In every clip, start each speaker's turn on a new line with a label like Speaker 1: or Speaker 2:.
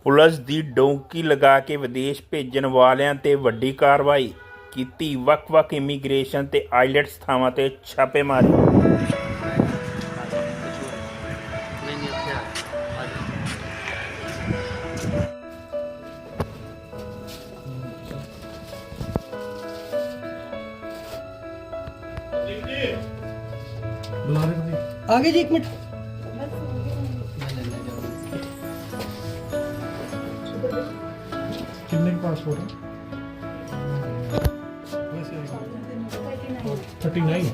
Speaker 1: Police ਦੀ donkey ਲਗਾ ਕੇ ਵਿਦੇਸ਼ ਭੇਜਣ ਵਾਲਿਆਂ ਤੇ ਵੱਡੀ ਕਾਰਵਾਈ ਕੀਤੀ। ਵੱਖ-ਵੱਖ ਇਮੀਗ੍ਰੇਸ਼ਨ ਤੇ ਆਈਲੈਟਸ ਥਾਵਾਂ ਤੇ ਛਾਪੇਮਾਰੀ।
Speaker 2: आगे जी 1 मिनट।
Speaker 3: कितने पासपोर्ट है? 39।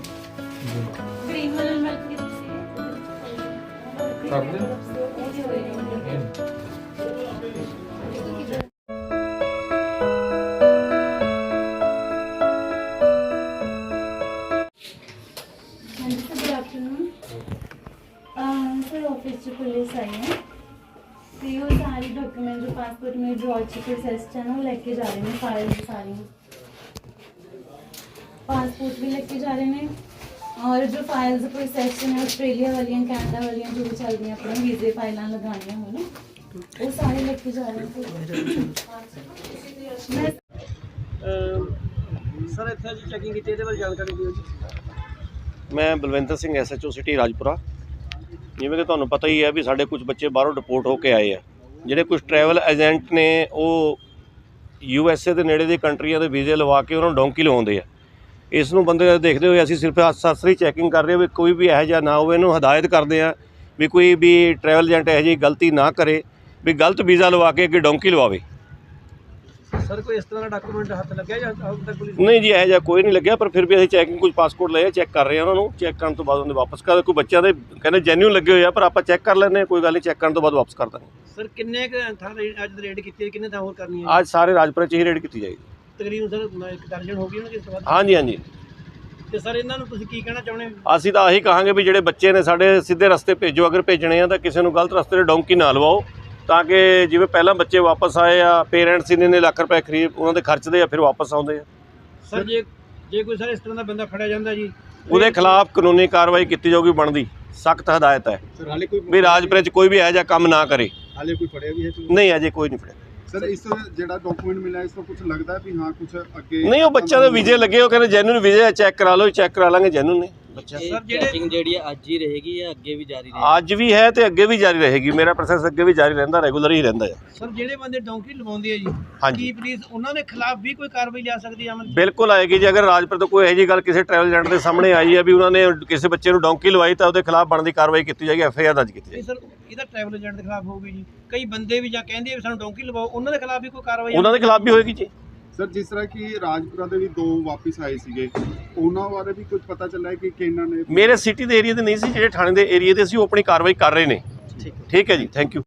Speaker 4: गुड आफ्टरनून सर, ऑफिस से पुलिस आई है तो ये सारे डॉक्यूमेंट जो पासपोर्ट में जो अच्छे प्रोसेस है ना वो लेके जा रहे हैं। फाइल सारी पासपोर्ट भी लेके जा रहे हैं और जो फाइल्स प्रोसेस है ऑस्ट्रेलिया वाली कैनेडा वाली जो भी चल रही अपने वीजे फाइल लगानी हो ना वो सारे लेके जा रहे हैं।
Speaker 2: सर इत्थे जी चैकिंग की जानकारी दिओ जी।
Speaker 5: मैं बलविंदर सिंह SHO सिटी राजपुरा। जिवें कि तुहानूं पता ही है भी साडे कुछ बच्चे बाहरों डिपोर्ट होके आए हैं। जिहड़े कुछ ट्रैवल एजेंट ने वो USA ਦੇ ਨੇੜੇ ਦੇ ਕੰਟਰੀਆਂ ਦੇ ਵੀਜ਼ੇ ਲਵਾ ਕੇ ਉਹਨਾਂ ਨੂੰ ਡੌਂਕੀ ਲਵਾਉਂਦੇ ਆ। ਇਸ ਨੂੰ ਬੰਦੇ ਦੇਖਦੇ ਹੋਏ ਅਸੀਂ ਸਿਰਫ ਅਸਰੀ ਚੈਕਿੰਗ ਕਰ ਰਹੇ ਹਾਂ ਵੀ ਕੋਈ ਵੀ ਇਹੋ ਜਿਹਾ ਨਾ ਹੋਵੇ। ਇਹਨੂੰ ਹਦਾਇਤ ਕਰਦੇ ਆ ਵੀ ਕੋਈ ਵੀ ट्रैवल एजेंट ਇਹੋ ਜਿਹੀ ਗਲਤੀ ਨਾ ਕਰੇ ਵੀ ਗਲਤ ਵੀਜ਼ਾ ਲਵਾ ਕੇ ਅੱਗੇ ਡੌਂਕੀ ਲਵਾਵੇ।
Speaker 2: सर कोई इस तरह का डॉक्यूमेंट हाथ लग गया या अब तक पुलिस
Speaker 5: नहीं जी, ਇਹੋ ਜਿਹਾ ਕੋਈ ਨਹੀਂ ਲੱਗਿਆ, ਪਰ ਫਿਰ ਵੀ ਅਸੀਂ ਚੈਕਿੰग ਕੁਝ ਪਾਸਪੋਰਟ ਲਏ ਚੈੱਕ ਕਰ ਰਹੇ ਹਾਂ। ਉਹਨਾਂ ਨੂੰ ਚੈੱਕ ਕਰਨ ਤੋਂ ਬਾਅਦ ਉਹਨੇ ਵਾਪਸ ਕਰ ਕੋਈ ਬੱਚਿਆਂ ਦੇ ਕਹਿੰਦੇ ਜੈਨੂਇਨ ਲੱਗੇ ਹੋਏ ਆ, ਪਰ ਆਪਾਂ ਚੈੱਕ ਕਰ ਲੈਂਦੇ ਹਾਂ, ਕੋਈ ਗੱਲ ਨਹੀਂ, ਚੈੱਕ ਕਰਨ ਤੋਂ ਬਾਅਦ ਵਾਪਸ ਕਰ ਦਾਂਗੇ।
Speaker 2: सर किन्ने थां अज रेड की किन्ने थां होर करनी है?
Speaker 5: ਅੱਜ ਸਾਰੇ ਰਾਜਪੁਰੇ 'ਚ ਹੀ ਰੇਡ ਕੀਤੀ ਜਾਏਗੀ।
Speaker 2: तकरीबन सर एक दर्जन होगी ना किस बाद
Speaker 5: ਹਾਂਜੀ ਹਾਂਜੀ,
Speaker 2: ਤੇ ਸਰ ਇਹਨਾਂ ਨੂੰ ਤੁਸੀਂ ਕੀ ਕਹਿਣਾ ਚਾਹੁੰਦੇ ਹੋ?
Speaker 5: ਅਸੀਂ ਤਾਂ ਆਹੀ ਕਹਾਂਗੇ ਵੀ ਜਿਹੜੇ ਬੱਚੇ ਨੇ ਸਾਡੇ ਸਿੱਧੇ ਰਸਤੇ ਭੇਜੋ। ਅਗਰ ਭੇਜਣੇ ਆ ਤਾਂ ਕਿਸੇ ਨੂੰ ਗਲਤ ਰਸਤੇ 'ਤੇ ਡੌਂਕੀ ਨਾ ਲਵਾਓ, ਤਾਂ ਕਿ ਜਿਵੇਂ ਪਹਿਲਾਂ ਬੱਚੇ ਵਾਪਸ ਆਏ ਆ, ਪੇਰੈਂਟਸ ਇੰਨੇ ਲੱਖ ਰੁਪਏ ਖਰੀਦ ਉਹਨਾਂ ਦੇ ਖਰਚਦੇ ਆ, ਫਿਰ ਵਾਪਸ ਆਉਂਦੇ ਆ।
Speaker 2: ਸਰ ਜੇ ਕੋਈ ਸਰ ਇਸ ਤਰ੍ਹਾਂ ਦਾ ਬੰਦਾ ਫੜਿਆ ਜਾਂਦਾ ਜੀ
Speaker 5: ਉਹਦੇ ਖਿਲਾਫ ਕਾਨੂੰਨੀ ਕਾਰਵਾਈ ਕੀਤੀ ਜਾਊਗੀ। ਬਣਦੀ ਸਖਤ ਹਦਾਇਤ ਹੈ
Speaker 6: ਸਰ ਹਾਲੇ ਕੋਈ
Speaker 5: ਵੀ ਰਾਜਪੁਰੇ 'ਚ ਕੋਈ ਵੀ ਇਹੋ ਜਿਹਾ ਕੰਮ ਨਾ ਕਰੇ।
Speaker 6: ਹਾਲੇ ਕੋਈ ਫੜਿਆ ਵੀ ਹੈ
Speaker 5: ਨਹੀਂ, ਅਜੇ ਕੋਈ ਨਹੀਂ ਫੜਿਆ।
Speaker 6: ਸਰ ਇਸ ਜਿਹੜਾ ਡਾਕੂਮੈਂਟ ਮਿਲਿਆ ਇਸ ਤੋਂ ਕੁਝ ਲੱਗਦਾ ਹੈ ਵੀ ਹਾਂ ਕੁਝ ਅੱਗੇ
Speaker 5: ਨਹੀਂ, ਉਹ ਬੱਚਿਆਂ ਦੇ ਵੀਜ਼ੇ ਲੱਗੇ, ਉਹ ਕਹਿੰਦੇ ਜੈਨੂਇਨ ਵੀਜ਼ੇ ਚੈੱਕ ਕਰਾ ਲਓ, ਚੈੱਕ ਕਰਾ ਲਾਂਗੇ ਜੈਨੂਇਨ ਨੇ ਬੱਚਾ।
Speaker 2: ਸਰ
Speaker 7: ਚੈਕਿੰਗ ਜਿਹੜੀ ਹੈ ਅੱਜ ਹੀ ਰਹੇਗੀ ਜਾਂ ਅੱਗੇ ਵੀ ਜਾਰੀ ਰਹੇਗੀ?
Speaker 5: ਅੱਜ ਵੀ ਹੈ ਤੇ ਅੱਗੇ ਵੀ ਜਾਰੀ ਰਹੇਗੀ। ਮੇਰਾ ਪ੍ਰੋਸੈਸ ਅੱਗੇ ਵੀ ਜਾਰੀ ਰਹਿੰਦਾ, ਰੈਗੂਲਰ ਹੀ ਰਹਿੰਦਾ ਹੈ।
Speaker 2: ਸਰ ਜਿਹੜੇ ਬੰਦੇ ਡੌਂਕੀ ਲਵਾਉਂਦੇ ਆ ਜੀ
Speaker 5: ਹਾਂਜੀ,
Speaker 2: ਕੀ ਪੁਲਿਸ ਉਹਨਾਂ ਦੇ ਖਿਲਾਫ ਵੀ ਕੋਈ ਕਾਰਵਾਈ ਲਿਆ ਸਕਦੀ ਹੈ ਅਮਨ?
Speaker 5: ਬਿਲਕੁਲ ਆਏਗੀ ਜੀ। ਅਗਰ ਰਾਜਪੁਰ ਤੋਂ ਕੋਈ ਇਹੋ ਜਿਹੀ ਗੱਲ ਕਿਸੇ ਟਰੈਵਲ ਏਜੰਟ ਦੇ ਸਾਹਮਣੇ ਆਈ ਹੈ ਵੀ ਉਹਨਾਂ ਨੇ ਕਿਸੇ ਬੱਚੇ ਨੂੰ ਡੌਂਕੀ ਲਵਾਈ, ਤਾਂ ਉਹਦੇ ਖਿਲਾਫ ਬਣਦੀ ਕਾਰਵਾਈ ਕੀਤੀ ਜਾਏਗੀ, FIR ਦਰਜ ਕੀਤੀ ਜਾਏਗੀ।
Speaker 2: ਸਰ ਇਹਦਾ ਟਰੈਵਲ ਏਜੰਟ ਦੇ ਖਿਲਾਫ ਹੋਊਗੀ ਜੀ। ਕਈ ਬੰਦੇ ਵੀ ਜਾਂ ਕਹਿੰਦੇ ਵੀ ਸਾਨੂੰ ਡੌਂਕੀ ਲਵਾਓ, ਉਹਨਾਂ ਦੇ ਖਿਲਾਫ ਵੀ ਕੋਈ ਕਾਰਵਾਈ?
Speaker 5: ਉਹਨਾਂ ਦੇ ਖਿਲਾਫ ਵੀ ਹੋਏਗੀ ਜੀ।
Speaker 6: ਸਰ ਜਿਸ ਤਰ੍ਹਾਂ ਕਿ ਰਾਜਪੁਰਾ ਦੇ ਵੀ 2 ਵਾਪਿਸ ਆਏ ਸੀਗੇ, ਉਹਨਾਂ ਬਾਰੇ ਵੀ ਕੁਝ ਪਤਾ ਚੱਲਿਆ ਕਿ ਕਿਹਨਾਂ ਨੇ?
Speaker 5: ਮੇਰੇ ਸਿਟੀ ਦੇ ਏਰੀਆ ਦੇ ਨਹੀਂ ਸੀ, ਜਿਹੜੇ ਥਾਣੇ ਦੇ ਏਰੀਆ ਦੇ ਸੀ, ਉਹ ਆਪਣੀ ਕਾਰਵਾਈ ਕਰ ਰਹੇ ਨੇ। ਠੀਕ ਹੈ ਜੀ, ਥੈਂਕ ਯੂ।